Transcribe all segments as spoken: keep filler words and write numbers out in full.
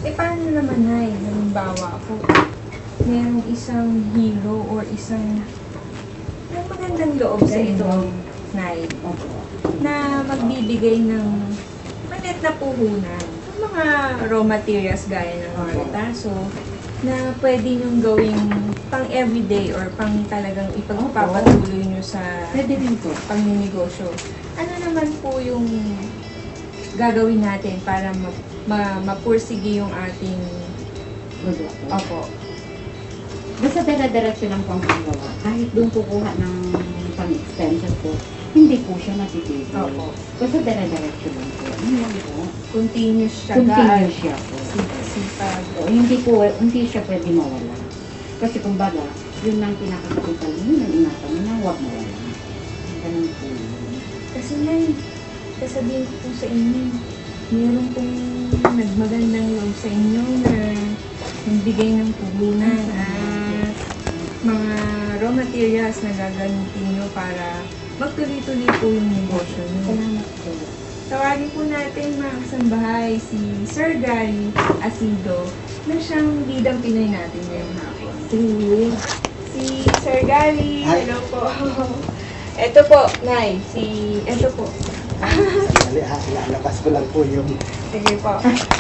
Eh, paano naman, Nay? Halimbawa po, merong isang hero or isang may magandang loob sa ito, Nay, na magbibigay ng malit na puhunan. Yung mga raw materials gaya ng retaso, na pwede nyong gawing pang everyday or pang talagang ipagpapatuloy nyo sa Pwede rin po. pangninegosyo. Ano naman po yung gagawin natin para ma ma mapursige yung ating Produkto. opo. Basta dire-diretso lang po ang panggawa. Kahit doon kukuha ng pang-extension po, hindi po siya matitigil. Opo. Basta dire-diretso lang po. Yun lang po. Continuous siya. Continuous siya po. Sipag. So, hindi po, hindi siya pwede mawala. Kasi kumbaga, yun lang pinakakapital mo, yun ang ingatan mo na huwag mawala. Ganun po yun. Kasi Nay, sasabihin ko po sa inyo, meron pong nagmagandang loob sa inyo na nagbigay ng puhunan at mga raw materials na gagamitin nyo para magtuloy-tuloy po yung negosyo nyo. Salamat po. Tawagin po natin mga kasambahay si Sir Gary Asido na siyang bidang Pinoy natin ngayong hapon. Sige. Si Sir Gary, Hi. hello po. Ito po, Nay, si, ito po. Dali ha, ilalabas ko lang po yung... Sige po.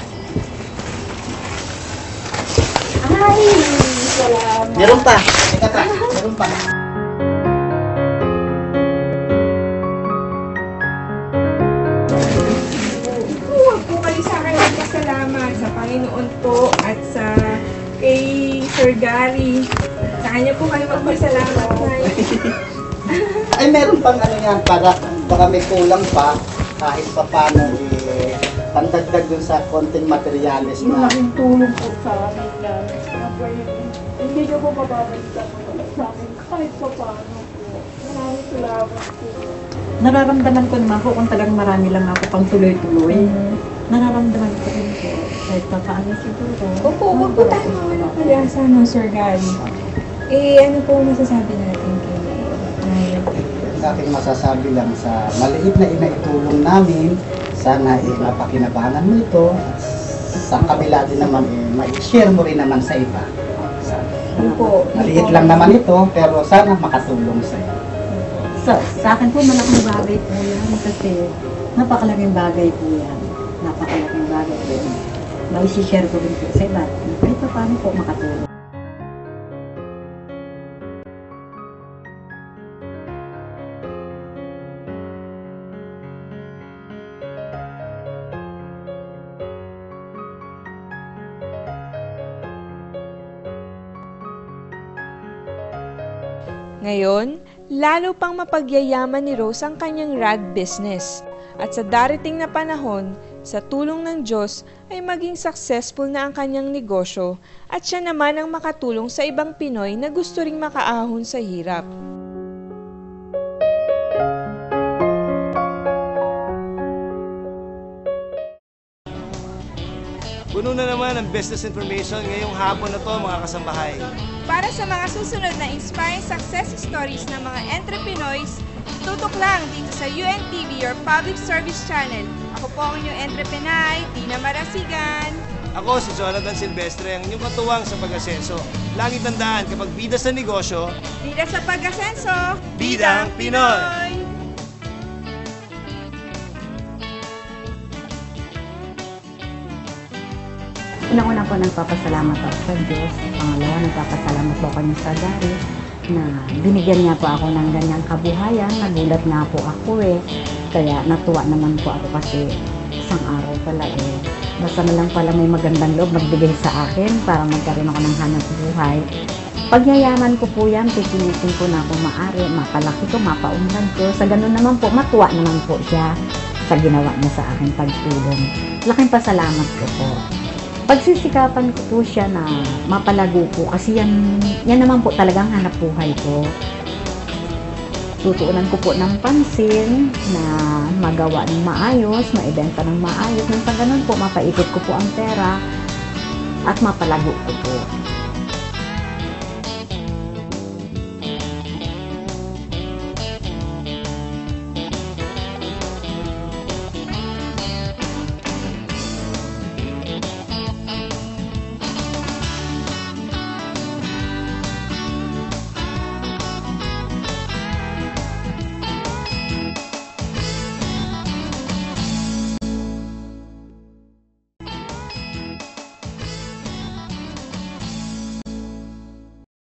Ay! Salamat. Meron pa! Teka pa, meron pa. Huwag po kayo sa akin magpasalamat sa Panginoon po at sa kay Sir Gary. Sa kanya po kayo magpasalamat, Nay. Ay, meron pang ano yan, para baka may kulang pa, kahit pa paano, eh, pandagdag dun sa konting materialis na... Malaking tulong po sa amin yan. Hindi niyo po mababalikan sa amin kahit pa paano po. Maraming salamat po. Nararamdaman ko naman po kung talagang marami lang ako pang tuloy-tuloy. Nararamdaman ko rin po. Kahit pa paano siguro. Opo, huwag po tayo mawala pag-asa, no, Sir Gary. Eh, ano po masasabi natin kay Nay? Sa aking masasabi lang sa maliit na inaitulong namin, sana eh, mapakinabangan mo ito. Sa kabila din naman, eh, ma-share mo rin naman sa iba. Opo. Maliit lang naman ito, pero sana makatulong sa iyo. Sa, sa akin po malaking bagay po yan kasi napakalaking bagay po yan. Napakalaking bagay po yan. Maisi-share ko rin po sa iba. Kahit pa paano po makatulong. Ngayon, lalo pang mapagyayaman ni Rose ang kanyang rag business. At sa darating na panahon, sa tulong ng Diyos ay maging successful na ang kanyang negosyo at siya naman ang makatulong sa ibang Pinoy na gusto ring makaahon sa hirap. Puno na naman ang business information ngayong hapon na to, mga kasambahay. Para sa mga susunod na inspiring success stories ng mga entrepreneurs, tutok lang dito sa U N T V, your public service channel. Ako po ang inyong entrepreneur, Tina Marasigan. Ako si Jonathan Silvestre, ang inyong katuwang sa pag-asenso. Lagi tandaan, kapag bida sa negosyo, Bida sa pag-asenso, Bidang Pinoy! Unang-una po nagpapasalamat ako sa Diyos. Pangalawa, nagpapasalamat po kami sa Gary na binigyan niya po ako ng ganyang kabuhayan. Nagulat nga po ako eh. Kaya natuwa naman po ako kasi isang araw pala eh. Basta na lang pala may magandang loob magbigay sa akin para magkaroon ako ng hanap buhay. Pagyayaman ko po yan, pipilitin ko na kung maaari, mapalaki ko, mapaunlad ko. Sa ganun naman po, matuwa naman po siya sa ginawa niya sa akin pagtulong. Laking pasalamat ko po. Pagsisikapan ko po siya na mapalago po kasi yan, yan naman po talagang hanap buhay ko. Tutuunan ko po ng pansin na magawa ng maayos, maibenta ng maayos. Nang sa ganun po, mapaipit ko po ang pera at mapalago ko po.